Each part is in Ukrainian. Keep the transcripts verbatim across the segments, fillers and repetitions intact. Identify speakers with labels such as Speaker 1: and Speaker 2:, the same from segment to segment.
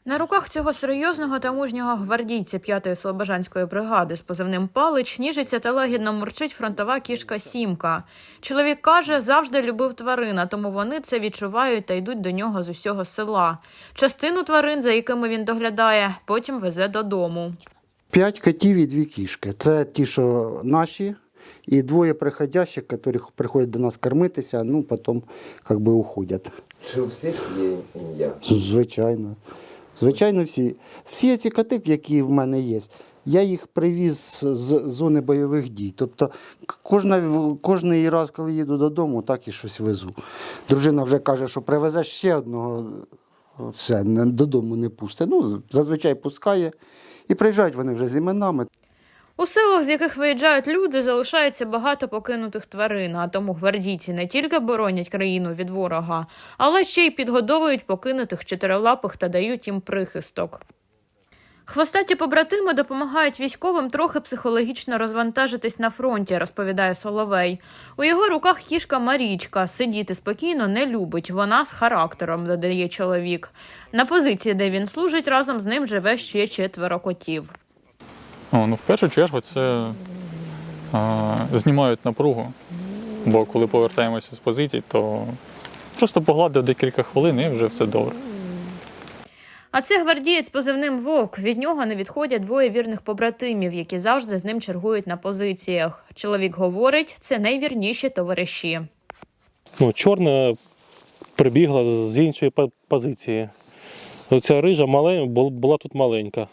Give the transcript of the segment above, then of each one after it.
Speaker 1: На руках цього серйозного та мужнього гвардійця п'ятої слобожанської бригади з позивним «Палич» ніжиться та лагідно мурчить фронтова кішка Сімка. Чоловік каже, завжди любив тварин, а тому вони це відчувають та йдуть до нього з усього села. Частину тварин, за якими він доглядає, потім везе додому.
Speaker 2: П'ять котів і дві кішки. Це ті, що наші, і двоє приходящих, які приходять до нас кормитися, ну, потім, як би, уходять.
Speaker 3: Чи у всіх є ім'я?
Speaker 2: Звичайно. Звичайно, всі. Всі ці коти, які в мене є, я їх привіз з зони бойових дій. Тобто кожна, кожний раз, коли їду додому, так і щось везу. Дружина вже каже, що привезе ще одного, все, додому не пусте. Ну, зазвичай пускає. І приїжджають вони вже з іменами.
Speaker 1: У селах, з яких виїжджають люди, залишається багато покинутих тварин, а тому гвардійці не тільки боронять країну від ворога, але ще й підгодовують покинутих чотирилапих та дають їм прихисток. Хвостаті побратими допомагають військовим трохи психологічно розвантажитись на фронті, розповідає Соловей. У його руках кішка Марічка. Сидіти спокійно не любить, вона з характером, додає чоловік. На позиції, де він служить, разом з ним живе ще четверо котів.
Speaker 4: О, ну, в першу чергу це а, знімають напругу, бо коли повертаємося з позицій, то просто погладив декілька хвилин і вже все добре.
Speaker 1: А це гвардієць з позивним «Вовк». Від нього не відходять двоє вірних побратимів, які завжди з ним чергують на позиціях. Чоловік говорить, це найвірніші товариші.
Speaker 5: Ну, чорна прибігла з іншої позиції. Оця рижа малень... була тут маленька.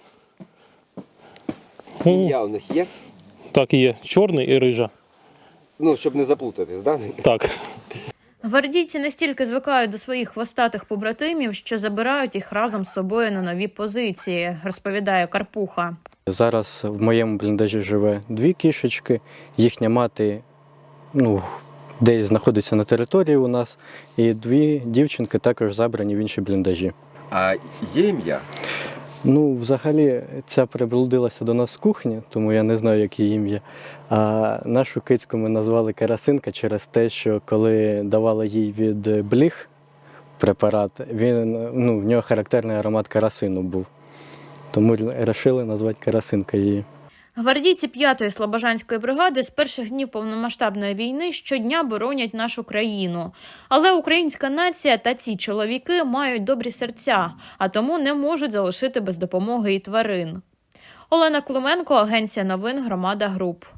Speaker 3: Ім'я у них є?
Speaker 5: Так і є. Чорний і рижа.
Speaker 3: Ну, щоб не заплутатись, так? Да?
Speaker 5: Так.
Speaker 1: Гвардійці настільки звикають до своїх хвостатих побратимів, що забирають їх разом з собою на нові позиції, розповідає Карпуха.
Speaker 6: Зараз в моєму бліндажі живе дві кішечки, їхня мати ну, десь знаходиться на території у нас, і дві дівчинки також забрані в інші бліндажі.
Speaker 3: А є ім'я?
Speaker 6: Ну, взагалі, ця приблудилася до нас з кухні, тому я не знаю, яке ім'я. А нашу кицьку ми назвали Карасинка через те, що коли давали їй від бліг препарат, він, ну, в нього характерний аромат карасину був. Тому вирішили назвати Карасинка її.
Speaker 1: Гвардійці п'ятої слобожанської бригади з перших днів повномасштабної війни щодня боронять нашу країну. Але українська нація та ці чоловіки мають добрі серця, а тому не можуть залишити без допомоги і тварин. Олена Клименко, агенція новин «Громада Груп».